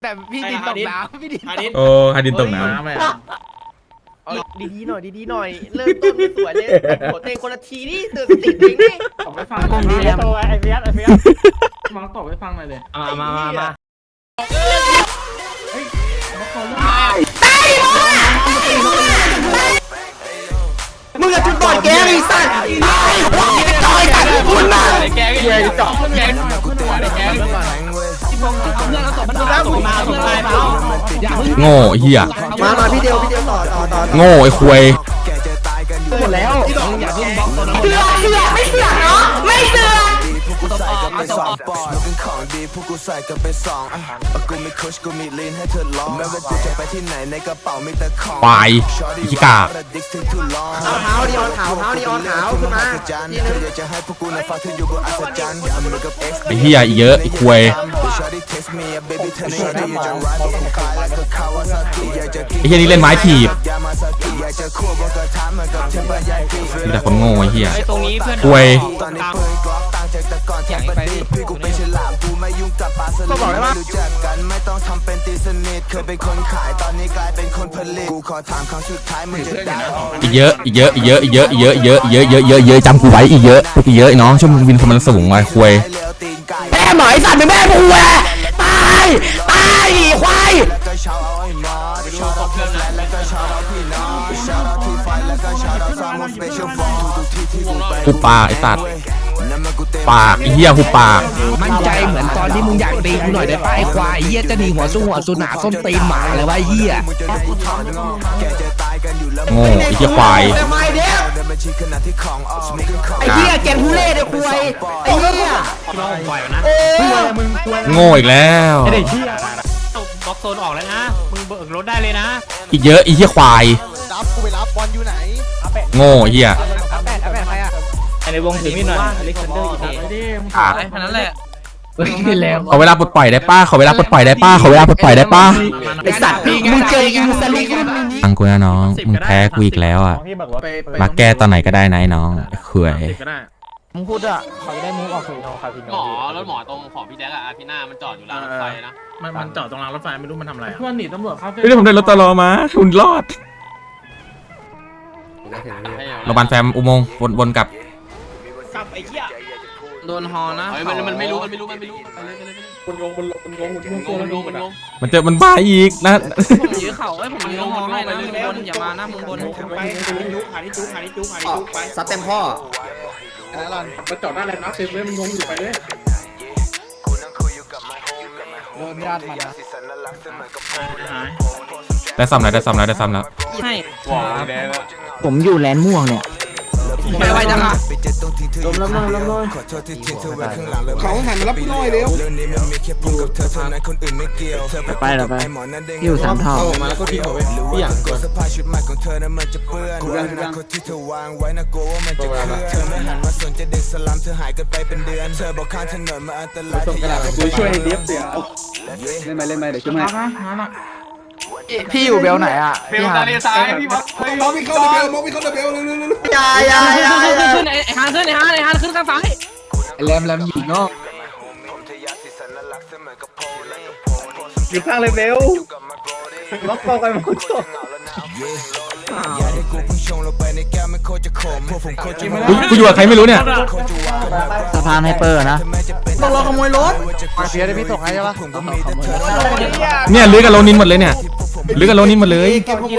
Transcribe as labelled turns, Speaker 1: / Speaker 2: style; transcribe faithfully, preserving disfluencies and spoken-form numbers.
Speaker 1: แต่พี่ดินตกน้ำพี่ดินตก
Speaker 2: โอ้ฮาดินตกน้
Speaker 1: เอาดีๆหน่อยดีๆหน่อยเริ่มต้นไม่สวยเลยหัวเตะคนละทีนี่เตือนสติตัวเองนี่
Speaker 3: ตบไปฟังกล้องนี้แล้วไอ้เฟียสไอ้เฟียสมองตบไปฟังหน่อยเลย
Speaker 1: มามามามา
Speaker 4: มึงอะจุดบอดแกไอ้สัตว์ตายหัวมึงจะต่อยกันคุณน่ะ
Speaker 1: แกแกจ่อแกแก
Speaker 2: ำโง่เหี้ย
Speaker 4: มามาพี่เดียวพี่เดียวต่อต่อต่อ
Speaker 2: โง่ไอ้ควย
Speaker 4: หมดแล้ว
Speaker 5: เสือกเสือกไม่เสือกเนาะไม่เสือก
Speaker 6: กูใส่กันไปสองปอนด์เป็นของดีพวกกูใส่กันไปสองอ่ะกูมีคุชกูมีลีนให้เธอลองไม่ว่าจะไปที่ไหนในกระเป๋ามีแต่ของ
Speaker 2: ควายขี้กาก
Speaker 4: เอาเท้าดิออนขาวเท้าดิออนขาวขึ้นมาทีนึง
Speaker 6: อยากจะให้พวกกูนะฟังเธออยู่บนอัศจรรย์มือกับ X
Speaker 2: ไอ้เหี้ยอีกเยอะไอ้ควย ไอ้เหี้ยนี่เล่นไม้ถีบมีแต่คนโง่ไอ้เหี้ย
Speaker 1: ตรงนี้เพื่อน
Speaker 2: ควย
Speaker 6: ก็บอกได้ว่ารู้จักกันไม่ต้องทำเป็นตีสนิทเคยเป็นคนขายตอนนี้กลายเป็นคนผลิตกูขอถามครั้งสุดท้ายมึงจะด่า
Speaker 2: อีกเยอะอีกเยอะอีกเยอะอีกเยอะอีกเยอะเยอะเยอะเยอะเยอะเยอะจำกูไว้อีกเยอะอีกเยอะไอ้น้องช่วยมึงวินความมันสูงไว้ควย
Speaker 4: แม่หมอยสัตว์เป็นแม่กูแหวะตายตายควาย
Speaker 6: แล้วก็ชาวเอาไอ้นอตชาวเอาเพื่อนแล้วก็ชาวเอาพี่น้องชาวเอาที่ไฟแล้วก็ชาวเอาซามอนสเปเชียลฟอร์ทุกที่ที่กูไป
Speaker 2: หุบปากไอ้สัตว์ปากไอ้เหี้ยหุบปาก
Speaker 7: มั่นใจเหมือนตอนที่มึงอยากตีกูหน่อยได้ป่ะไอ้ควายเหี้ยจะหนีหัวสู้หัวสุนาส้นตีนหมาเลยวะไอ้เหี้ย
Speaker 2: โง่ไอ้เหี้ยควาย
Speaker 4: แต่ไม่เด้อไอ้เหี้ยแกงทุเล่เด้อควายไอ้เหี้ยโอ้ย
Speaker 2: โง่อีกแล้ว
Speaker 3: ไอ้เด็กเหี้ย
Speaker 1: บล็อกโซนออกแล้วนะมึงเบิกรถได้เลยนะ
Speaker 2: อีกเยอะไอ้เหี้ยควายโง่ไอ้เหี้ย
Speaker 3: ในวงถึงนี่หน่อยอเล็กซานเดอร์อีกไอ้ดิมึง
Speaker 2: ขาด
Speaker 1: แค่นั้นแหละ
Speaker 7: แล้ว
Speaker 2: ขอเวลาปลดปล่อยได้ป้าขอเวลาปลดปล่อยได้ป้าขอเวลาปลดปล่อยได้ป้า
Speaker 4: ไอ้สัตว์มึงเจออินสลิกรุ่นนี้
Speaker 2: ฟังกูนะน้องมึงแพ้กูอีกแล้วอ่ะ
Speaker 3: ที่บอกว่าไป
Speaker 2: มาแก้ตอนไหนก็ได้นะไอ้น้องควย
Speaker 3: ติดก็ได้
Speaker 7: มึงพูดอ่ะเขาจะได้มุกออกสู่ทางคาสิโน
Speaker 1: หมอรถหมอตรงของพี่แจ๊กอะอาทิน่ามันจอดอยู่รางรถไฟนะ
Speaker 3: มันมันจอดตรงรางรถไฟไม่รู้มันทำอะไรเพื่อนหนีตำรวจเข้า
Speaker 2: เฮ้ยผมได้รถตลอมาคุณรอดโรงพยาบาลแฟมอุโมงค์วนวนกลับ
Speaker 1: กับไอ้เหี้ย
Speaker 7: โดนฮอนะ
Speaker 1: เฮ้ยมันมันไม่รู้มันไม่รู้มันไม่รู้ไปเลยไปเลย
Speaker 3: มันงงมันมันงงมันงง
Speaker 1: มันงงมันงง
Speaker 2: มันเจอมันบ้าอีกนะ
Speaker 7: ผมยื้อเข่าไอ้ผมยื้อฮอให้นะมึงบนอย่ามานะมึงบน
Speaker 1: ไปจุกหาที่จุกหาที่จุกหาที่จุกไป
Speaker 4: ซัดเต็มพ่อ
Speaker 3: มันจอดได้แล้วนะเต็มเลยมันงงอยู่ไปเลย
Speaker 7: โดนญาติมันนะ
Speaker 2: ได้ซ้ำแล้วได้ซ้ำแล้วได้ซ้ำแล้ว
Speaker 7: ให้
Speaker 1: ว้าวแดง
Speaker 7: ผมอยู่แลนด์ม่วงเนี่ยไปไวจังอ่ะ
Speaker 4: ลมลมลมลมลม
Speaker 6: เขาหันมารับน้อยเร็วไปแล้วไป
Speaker 7: อยู่สามเท่า
Speaker 6: มาแล้วก็ทิ้งเอาไว้พี่อยากกดสภาพชุดใหม่ของเธอนั้นมันจะเปื้อนอนาคตที่เธอวางไว้นะกลัวว่ามันจะเคลื่อนเธอไม่หันมาสนใจเด็กสลัมเธอหายกันไปเป็นเดือนเธอบอกข้างถนนมาอันตรายที่อยากให้ช่วยเดียบเดียวเล่นไปเล่นไปเดี๋ยวช่วย
Speaker 3: มาฮะมาละ
Speaker 7: พี่อยู่เบลไหนอ่ะ
Speaker 1: เบลทะเลทรายพี่บอกมองวิ่งเข้าเบลมองวิ่งเข้าเบล
Speaker 4: ยายายา
Speaker 7: ขึ้นขึ้นไอ้ฮานขึ้นไอ้ฮานไอ้ฮานขึ้นข้างซ้ายแรมแรมหญิงเนาะ
Speaker 3: อยู่ข้างเลยเบลล็อกคอกันมาคุณโจ
Speaker 2: กูกูอยู่กับใครไม่รู้เนี่ย
Speaker 7: สะพานไฮเปอร์นะ
Speaker 4: ต้องรอขโมยรถ
Speaker 7: มาเฟียได้พี่ส่งให้ใช่ปะ
Speaker 2: เนี่ยลื้อกับโลนินหมดเลยเนี่ยลื้อกับโลนินหมดเลย
Speaker 4: เก็บขโม